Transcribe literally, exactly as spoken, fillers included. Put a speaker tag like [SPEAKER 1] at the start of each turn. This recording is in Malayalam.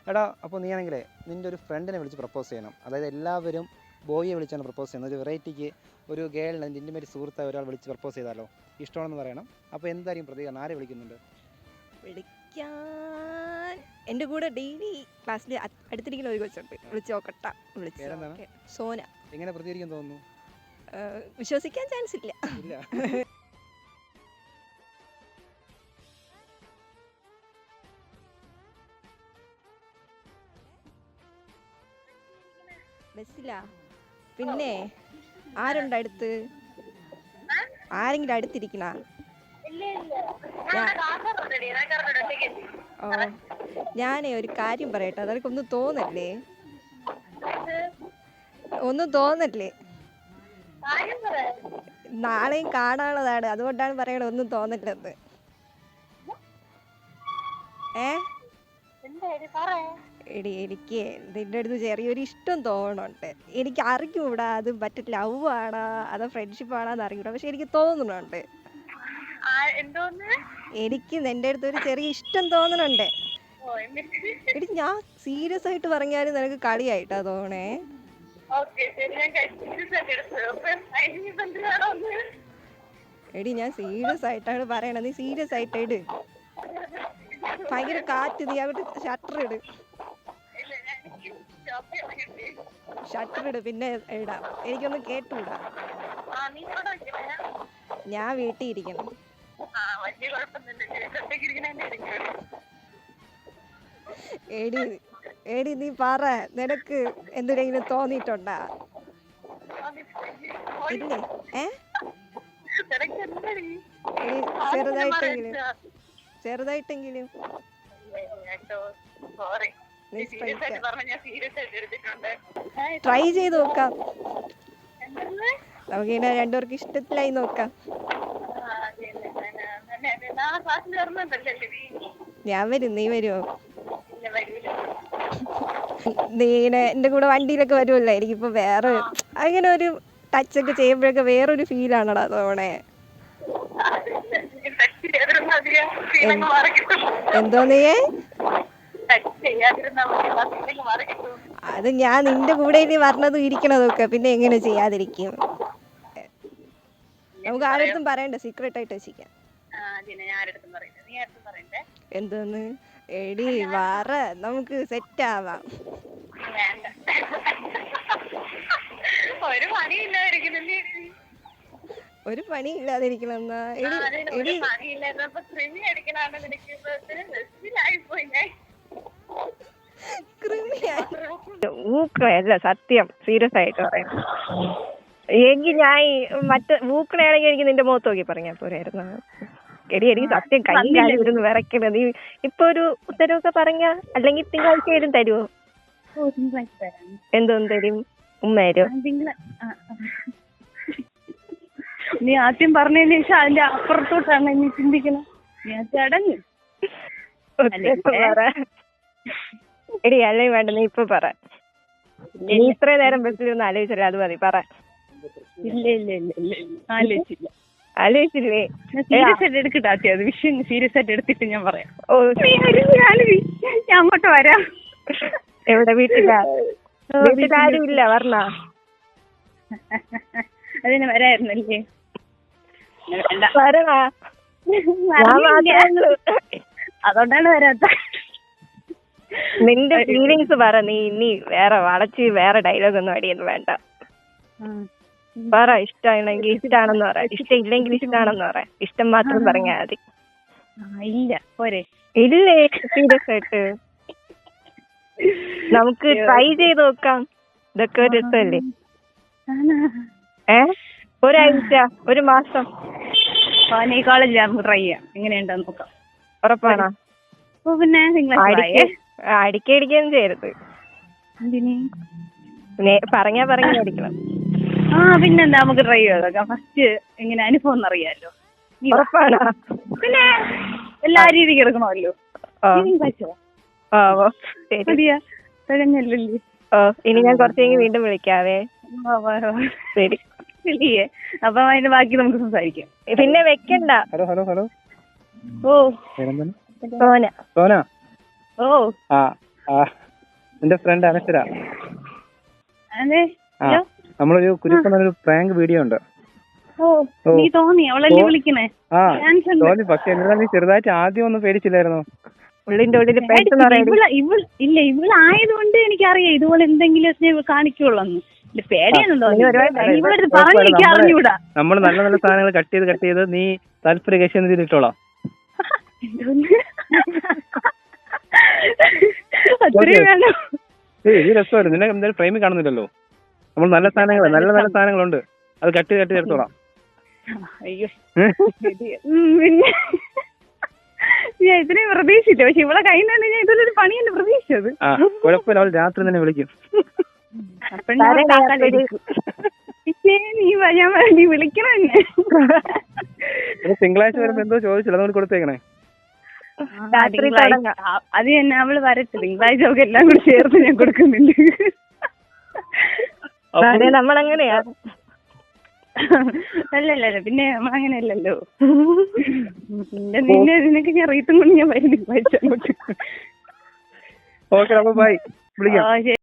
[SPEAKER 1] എടാ അപ്പോൾ നീ ആണെങ്കിലേ നിൻ്റെ ഒരു ഫ്രണ്ടിനെ വിളിച്ച് പ്രപ്പോസ് ചെയ്യണം. അതായത് എല്ലാവരും ബോയിയെ വിളിച്ചാണ് പ്രപ്പോസ് ചെയ്യുന്നത്. ഒരു വെറൈറ്റിക്ക് ഒരു ഗേളിനെ നിൻ്റെ ഇൻറ്റിമേറ്റ് സുഹൃത്തായ ഒരാൾ വിളിച്ച് പ്രപ്പോസ് ചെയ്താലോ, ഇഷ്ടമാണെന്ന് പറയണം. അപ്പോൾ എന്തായിരിക്കും പ്രതികരണം? ആരെ വിളിക്കുന്നുണ്ട്?
[SPEAKER 2] വിളിക്കാൻ എൻ്റെ കൂടെ ഡെയിലി ക്ലാസ്സിൽ അടുത്തിരിക്കുന്ന ഒരു കൊച്ചുണ്ട്. വിളിച്ച് നോക്കട്ട വിളിച്ച്
[SPEAKER 1] പേരെന്താണ്?
[SPEAKER 2] സോന.
[SPEAKER 1] എങ്ങനെ പ്രതികരിക്കാൻ തോന്നുന്നു?
[SPEAKER 2] വിശ്വസിക്കാൻ ചാൻസ് ഇല്ല.
[SPEAKER 1] ഇല്ല.
[SPEAKER 2] ബസ്സിലാ? പിന്നെ ആരുണ്ട് അടുത്ത്? ആരെങ്കിലും അടുത്തിരിക്കണ? ഓ, ഞാനേ ഒരു കാര്യം പറയട്ടെ, അതൊക്കെ ഒന്നും തോന്നല്ലേ? ഒന്നും തോന്നല്ലേ? നാളെയും കാണാനുള്ളതാണ്, അതുകൊണ്ടാണ് പറയണത് ഒന്നും തോന്നില്ലെന്ന്. ഏ എടി, എനിക്ക് നിന്റെ അടുത്ത് ചെറിയൊരു ഇഷ്ടം തോന്നുന്നുണ്ട്. എനിക്ക് അറിഞ്ഞൂടാ അത് മറ്റേ ലവ് ആണോ അതോ ഫ്രണ്ട്ഷിപ്പ് ആണോന്ന് അറിഞ്ഞൂടാ, പക്ഷെ എനിക്ക് തോന്നുന്നുണ്ട്. എനിക്ക് നിന്റെ അടുത്ത് ഒരു ചെറിയ ഇഷ്ടം തോന്നുന്നുണ്ട്. എടി, ഞാൻ സീരിയസ് ആയിട്ട് പറഞ്ഞാലും നിനക്ക് കളിയായിട്ടാ തോന്നണേ. എടി, ഞാൻ സീരിയസ് ആയിട്ടാണ് പറയണത്, നീ സീരിയസ് ആയിട്ട് ഇട്. ഭയങ്കര കാറ്റ്, നീ അങ്ങോട്ട് ഷട്ടർ ഇട്, ഷട്ടർ ഇട്, പിന്നെ ഇടാം. എനിക്കൊന്നും കേട്ടൂടാ. ഞാൻ വീട്ടിൽ ഇരിക്കണം. എടി എടി നീ പറ, നിനക്ക് എന്തിനെങ്കിലും തോന്നിയിട്ടുണ്ടാ? ഇല്ലേ? ഏ എടി, ചെറുതായിട്ടെങ്കിലും ചെറുതായിട്ടെങ്കിലും ട്രൈ ചെയ്ത് നോക്കാം. നമുക്ക് ഇങ്ങനെ രണ്ടുപേർക്ക് ഇഷ്ടത്തിലായി നോക്കാം. ഞാൻ വരും, നീ വരുമോ? നീ ഇങ്ങനെ എൻ്റെ കൂടെ വണ്ടിയിലൊക്കെ വരുമല്ലോ, എനിക്കിപ്പോ വേറെ അങ്ങനെ ഒരു ടച്ചൊക്കെ ചെയ്യുമ്പോഴൊക്കെ വേറൊരു ഫീലാണടാ തോണേ. എന്തോ നീയേ? അത് ഞാൻ നിന്റെ കൂടെ ഇനി പറഞ്ഞതും ഇരിക്കണതൊക്കെ പിന്നെ എങ്ങനെ ചെയ്യാതിരിക്കും? നമുക്ക് ആരടുത്തും പറയണ്ട, സീക്രട്ട് ആയിട്ട് വെച്ചിരിക്കാം. എന്തോന്ന്? എടി വാറ, നമുക്ക് സെറ്റ് ആവാം. ഒരു പണി ഇല്ലാതിരിക്കണെന്നാ? എടി, ഊക്കളയല്ല സത്യം, സീരിയസ് ആയിട്ട് പറയാം. എങ്കിൽ ഞാൻ മറ്റേ ഊക്കളയാണെങ്കിൽ എനിക്ക് നിന്റെ മുഖത്ത് നോക്കി പറഞ്ഞാൽ പോരായിരുന്നു. എടി, എനിക്ക് സത്യം കൈ കാലം ഇരുന്ന് വിറയ്ക്കണത്. നീ ഇപ്പൊ ഒരു ഉത്തരവൊക്കെ പറഞ്ഞ, അല്ലെങ്കിൽ തിങ്കളാഴ്ച വരും തരുമോ? എന്തോന്ന് തരും? ഉമ്മ തരും?
[SPEAKER 3] നീ ആദ്യം പറഞ്ഞതിന് ശേഷം അതിന്റെ അപ്പുറത്തോട്ടാണ് നീ ചിന്തിക്കണം. ഞാൻ ചടങ്ങ്
[SPEAKER 2] എടി, അല്ലെങ്കിൽ വേണ്ട, നീ ഇപ്പൊ പറ. നീ ഇത്രയും നേരം ബസ്സിലൊന്നും ആലോചിച്ചില്ല, അത് മതി, പറ.
[SPEAKER 3] ഇല്ല ഇല്ല ഇല്ല ഇല്ല ആലോചിച്ചില്ല.
[SPEAKER 2] ആലോചിച്ചില്ലേ?
[SPEAKER 3] സീരിയസ് ആയിട്ട് എടുക്കട്ടെ, ആദ്യം അത് വിഷയം സീരിയസ് ആയിട്ട് എടുത്തിട്ട് ഞാൻ പറയാം.
[SPEAKER 2] ഓ,
[SPEAKER 3] ഞാൻ അങ്ങോട്ട് വരാം.
[SPEAKER 2] എവിടെ? വീട്ടിലാ? വീട്ടിലാരും ഇല്ല, പറഞ്ഞ
[SPEAKER 3] അതിന് വരായിരുന്നല്ലേ?
[SPEAKER 2] വരണ,
[SPEAKER 3] അതുകൊണ്ടാണ് വരാത്ത.
[SPEAKER 2] നിന്റെ ഫീലിങ്സ് പറ. നീ ഇനി വേറെ വളച്ച് വേറെ ഡയലോഗ് ഒന്നും അടിയൊന്നും വേണ്ട. പറ. ഇഷ്ടമാണെങ്കിൽ ഇഷ്ടമാണെന്ന് പറ, ഇഷ്ടം ഇല്ലെങ്കിൽ ഇഷ്ടമാണെന്ന് പറ. ഇഷ്ടം മാത്രം പറഞ്ഞാൽ മതി.
[SPEAKER 3] ഇല്ല പോരെ?
[SPEAKER 2] ഇല്ലേ? സീരിയസ് ആയിട്ട് നമുക്ക് ട്രൈ ചെയ്ത് നോക്കാം. ഇതൊക്കെ ഒരു രസമല്ലേ? ഏ ഒരാഴ്ച, ഒരു മാസം
[SPEAKER 3] ഈ കോളേജിൽ നമുക്ക് ട്രൈ ചെയ്യാം. എങ്ങനെയുണ്ടെന്ന് നോക്കാം.
[SPEAKER 2] ഉറപ്പാണോ?
[SPEAKER 3] പിന്നെ
[SPEAKER 2] അടിക്കടിക്കൊന്നും ചെയ്യരുത്. പറഞ്ഞാ പറഞ്ഞ അടിക്കണം.
[SPEAKER 3] ആ പിന്നെന്താ, നമുക്ക് ട്രൈ ചെയ്ത് നോക്കാം. ഫസ്റ്റ് എങ്ങനെ അനുഭവം എന്നറിയാലോ.
[SPEAKER 2] ഉറപ്പാണോ?
[SPEAKER 3] പിന്നെ എല്ലാ രീതിക്ക് എടുക്കണമല്ലോ. തികഞ്ഞല്ലേ?
[SPEAKER 2] ഓ, ഇനി ഞാൻ കുറച്ച് കഴിഞ്ഞ് വീണ്ടും വിളിക്കാവേ. ശരി.
[SPEAKER 3] അപ്പൊ അതിന്റെ ബാക്കി നമുക്ക് സംസാരിക്കാം.
[SPEAKER 2] പിന്നെ വെക്കണ്ട.
[SPEAKER 1] Hello hello hello.
[SPEAKER 3] ഓ,
[SPEAKER 2] സോന.
[SPEAKER 1] സോന.
[SPEAKER 3] ഓ,
[SPEAKER 1] ആ ആ എന്റെ ഫ്രണ്ട് അനശ്വര.
[SPEAKER 3] അതെ.
[SPEAKER 1] ആ നമ്മളൊരു കുരുപ്പൊന്നൊരു പ്രാങ്ക് വീഡിയോ ഉണ്ട്.
[SPEAKER 3] ഓ നീ തോന്നി അവളല്ലേ വിളിക്കണേ?
[SPEAKER 1] ആ തോന്നി. പക്ഷെ എന്താ നീ ചെറുതായിട്ട് ആദ്യം ഒന്നും പേടിച്ചില്ലായിരുന്നോ?
[SPEAKER 2] ഉള്ളിന്റെ ഉള്ളിൽ
[SPEAKER 3] ഇവള് ഇവൾ ഇല്ല ഇവളായതുകൊണ്ട് എനിക്കറിയാം ഇതുപോലെ എന്തെങ്കിലും കാണിക്കുള്ളൂ. പേടിയാണല്ലോ ഇവളടുത്ത് പറഞ്ഞു എനിക്ക് അറിഞ്ഞൂടാ.
[SPEAKER 1] നമ്മൾ നല്ല നല്ല സാധനങ്ങൾ കട്ട് ചെയ്ത് കട്ട് ചെയ്ത് നീ താല്പര്യ ഇട്ടോളാം.
[SPEAKER 3] അത്രയും വേണം.
[SPEAKER 1] ഈ രസമായിരുന്നു. നിന്നെ എന്തായാലും ഫ്രെയിമിൽ കാണുന്നില്ലല്ലോ. നമ്മൾ നല്ല സാധനങ്ങൾ നല്ല നല്ല സാധനങ്ങളുണ്ട്, അത് കട്ട് ചെയ്ത് കട്ട് ചെയ്തെടുത്തോളാം.
[SPEAKER 3] അയ്യോ പിന്നെ ഞാൻ ഇത്രയും പ്രതീക്ഷിച്ചില്ല. പക്ഷെ ഇവിടെ കഴിഞ്ഞാൽ ഞാൻ ഇതിലൊരു പണിയല്ലേ പ്രതീക്ഷിച്ചത്.
[SPEAKER 1] ആ കുഴപ്പമില്ല, അവൾ രാത്രി തന്നെ വിളിക്കും.
[SPEAKER 3] പിന്നെ നീ ഞാൻ നീ വിളിക്കണം എന്നെ.
[SPEAKER 1] തിങ്കളാഴ്ച വരുമ്പോ എന്തോ ചോദിച്ചില്ല, അതുകൊണ്ട് കൊടുത്തേക്കണേ.
[SPEAKER 3] അത് തന്നെ അവള് വരട്ടെ. തിങ്കളാഴ്ച ഒക്കെ എല്ലാം കൂടി ചേർത്ത് ഞാൻ കൊടുക്കുന്നുണ്ട്.
[SPEAKER 2] നമ്മളങ്ങനെയാ.
[SPEAKER 3] അല്ലല്ല പിന്നെ നമ്മളങ്ങനെയല്ലല്ലോ. നിന്നെ നിനക്ക് ഞാൻ റീത്തും കൊണ്ട് ഞാൻ വരും തിങ്കളാഴ്ച അങ്ങോട്ട്.
[SPEAKER 1] ഓക്കെ, അപ്പൊ ബൈ, വിളിക്കാം.